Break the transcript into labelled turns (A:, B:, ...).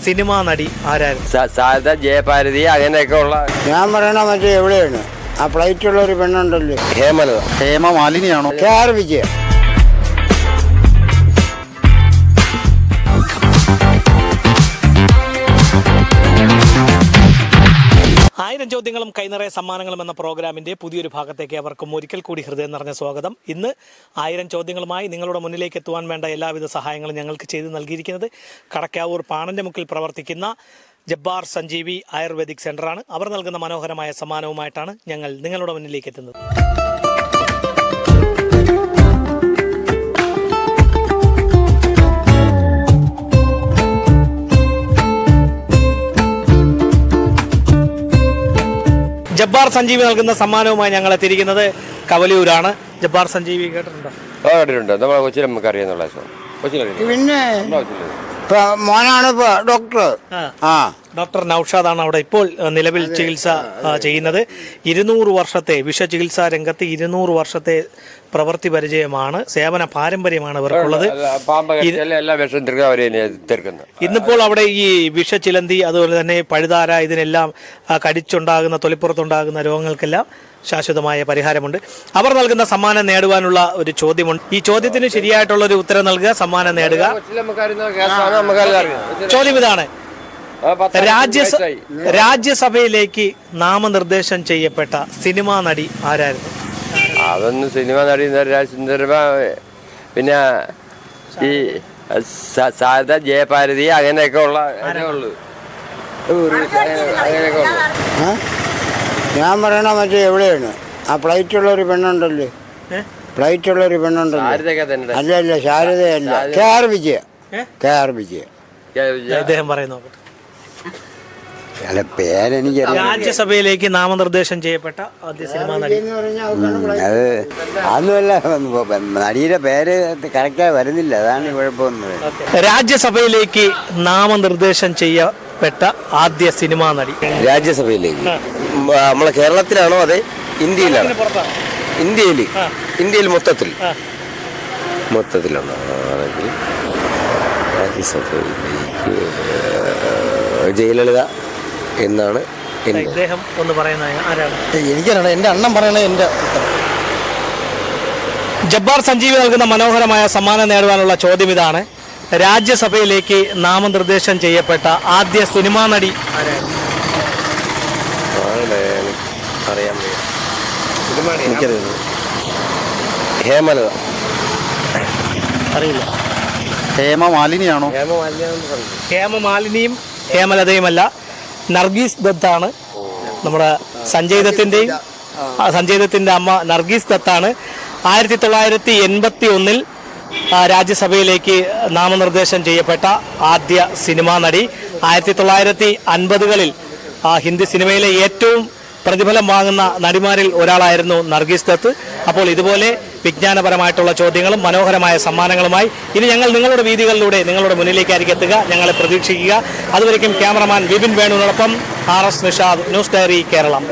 A: Cinema നടി ആരായിരുന്നു?
B: സാരദ, ജയഭാരതി അങ്ങനെയൊക്കെ ഉള്ള.
C: ഞാൻ പറയണ മറ്റേ എവിടെയാണ് ആ ഫ്ലൈറ്റുള്ള ഒരു പെണ്ണുണ്ടല്ലോ,
B: ഹേമലത.
D: ഹേമമാലിനിയാണോ?
C: KR വിജയ.
A: ആയിരം ചോദ്യങ്ങളും കൈനിറയ സമ്മാനങ്ങളും എന്ന പ്രോഗ്രാമിന്റെ പുതിയൊരു ഭാഗത്തേക്ക് അവർക്കും ഒരിക്കൽ കൂടി ഹൃദയം നിറഞ്ഞ സ്വാഗതം. ഇന്ന് 1000 ചോദ്യങ്ങളുമായി നിങ്ങളുടെ മുന്നിലേക്ക് എത്തുവാൻ വേണ്ട എല്ലാവിധ സഹായങ്ങളും ഞങ്ങൾക്ക് ചെയ്തു നൽകിയിരിക്കുന്നത് കടക്കാവൂർ പാണന്റെ മുക്കിൽ പ്രവർത്തിക്കുന്ന ജബ്ബാർ സഞ്ജീവി ആയുർവേദിക് സെന്ററാണ്. അവർ നൽകുന്ന മനോഹരമായ സമ്മാനവുമായിട്ടാണ് ഞങ്ങൾ നിങ്ങളുടെ മുന്നിലേക്ക് എത്തുന്നത്. ജബ്ബാർ സഞ്ജീവി നൽകുന്ന സമ്മാനവുമായി ഞങ്ങൾ എത്തിയിരിക്കുന്നത് കവലിയൂരാണ്. ജബ്ബാർ സഞ്ജീവി കേട്ടിട്ടുണ്ടോ?
B: കേട്ടിട്ടുണ്ട്. നമ്മളെ കൊച്ചിയിൽ നമുക്ക് അറിയാന്നുള്ള
C: പിന്നെ മോനാണ് ഇപ്പൊ ഡോക്ടർ.
A: ഡോക്ടർ നൌഷാദാണ് അവിടെ ഇപ്പോൾ നിലവിൽ ചികിത്സ ചെയ്യുന്നത്. 200 വർഷത്തെ വിഷചികിത്സാ രംഗത്ത് 200 വർഷത്തെ പ്രവൃത്തി പരിചയമാണ്, സേവന പാരമ്പര്യമാണ് ഇവർക്കുള്ളത്. ഇന്നിപ്പോൾ അവിടെ ഈ വിഷച്ചിലന്തി, അതുപോലെ തന്നെ പഴുതാര, ഇതിനെല്ലാം കടിച്ചുണ്ടാകുന്ന തൊലിപ്പുറത്തുണ്ടാകുന്ന രോഗങ്ങൾക്കെല്ലാം ശാശ്വതമായ പരിഹാരമുണ്ട്. അവർ നൽകുന്ന സമ്മാനം നേടുവാനുള്ള ഒരു ചോദ്യമുണ്ട്. ഈ ചോദ്യത്തിന് ശരിയായിട്ടുള്ള ഒരു ഉത്തരം നൽകുക, സമ്മാനം നേടുക. ചോദ്യം ഇതാണ്: രാജ്യസഭയിലേക്ക് നാമനിർദ്ദേശം ചെയ്യപ്പെട്ട സിനിമാ നടി ആരായിരുന്നു?
B: അതൊന്നും സിനിമ നടി പിന്നെ ഈ സാരദ, ജയഭാരതി അങ്ങനെയൊക്കെ ഉള്ള.
C: ഞാൻ പറയണ മറ്റേ എവിടെയാണ് ആ ഫ്ലൈറ്റുള്ള ഒരു പെണ്ണുണ്ടല്ലോ, ഫ്ലൈറ്റുള്ള ഒരു പെണ്ണുണ്ടല്ലോ. അല്ല ശാരദയല്ല, KR വിജയ. KR വിജയ
A: ഇദ്ദേഹം പറയുന്നു.
C: അല്ല പേരെനിക്കറിയാം.
A: രാജ്യസഭയിലേക്ക് നാമനിർദ്ദേശം ചെയ്യപ്പെട്ട ആദ്യ സിനിമാ നടി.
C: അത് അതൊന്നുമല്ല, നടിയുടെ പേര് കറക്റ്റായി വരുന്നില്ല, അതാണ് കുഴപ്പമൊന്നും.
A: രാജ്യസഭയിലേക്ക് നാമനിർദ്ദേശം ചെയ്യപ്പെട്ട ആദ്യ സിനിമാ നടി.
B: രാജ്യസഭയിലേക്ക് നമ്മളെ കേരളത്തിലാണോ അതെ ഇന്ത്യയിലാണോ? ഇന്ത്യയിൽ മൊത്തത്തിലാണോ? ആണെങ്കിൽ രാജ്യസഭയിലേക്ക് ജയലളിത എന്നാണ്
A: ഇദ്ദേഹം ഒന്ന് പറയുന്നത്. ആരാണ്?
D: എനിക്കറിയണം, എൻ്റെ അണ്ണൻ പറയണത്. എൻ്റെ
A: ജബ്ബാർ സഞ്ജീവി നൽകുന്ന മനോഹരമായ സമ്മാനം നേടുവാനുള്ള ചോദ്യം ഇതാണ്: രാജ്യസഭയിലേക്ക് നാമനിർദ്ദേശം ചെയ്യപ്പെട്ട ആദ്യ സിനിമാ നടി ആരാണ്?
D: എനിക്കറിയുന്നത്
B: ഹേമലത.
A: അറിയില്ല.
D: ഹേമമാലിനിയാണോ?
A: ഹേമമാലിനിയും ഹേമലതയുമല്ല, നർഗീസ് ദത്താണ്. നമ്മുടെ സഞ്ജയ് ദത്തിന്റെ അമ്മ നർഗീസ് ദത്താണ്. 1981 രാജ്യസഭയിലേക്ക് നാമനിർദ്ദേശം ചെയ്യപ്പെട്ട ആദ്യ സിനിമാ നടി. 1950കളിൽ ഹിന്ദി സിനിമയിലെ ഏറ്റവും പ്രതിഫലം വാങ്ങുന്ന നടിമാരിൽ ഒരാളായിരുന്നു നർഗീസ് ദത്ത്. അപ്പോൾ ഇതുപോലെ വിജ്ഞാനപരമായിട്ടുള്ള ചോദ്യങ്ങളും മനോഹരമായ സമ്മാനങ്ങളുമായി ഇനി ഞങ്ങൾ നിങ്ങളുടെ വീതികളിലൂടെ നിങ്ങളുടെ മുന്നിലേക്കായിരിക്കും എത്തുക. ഞങ്ങളെ പ്രതീക്ഷിക്കുക. അതുവരയ്ക്കും ക്യാമറമാൻ വിപിൻ വേണുവിനോടൊപ്പം RS Nishad, news diary Keralam.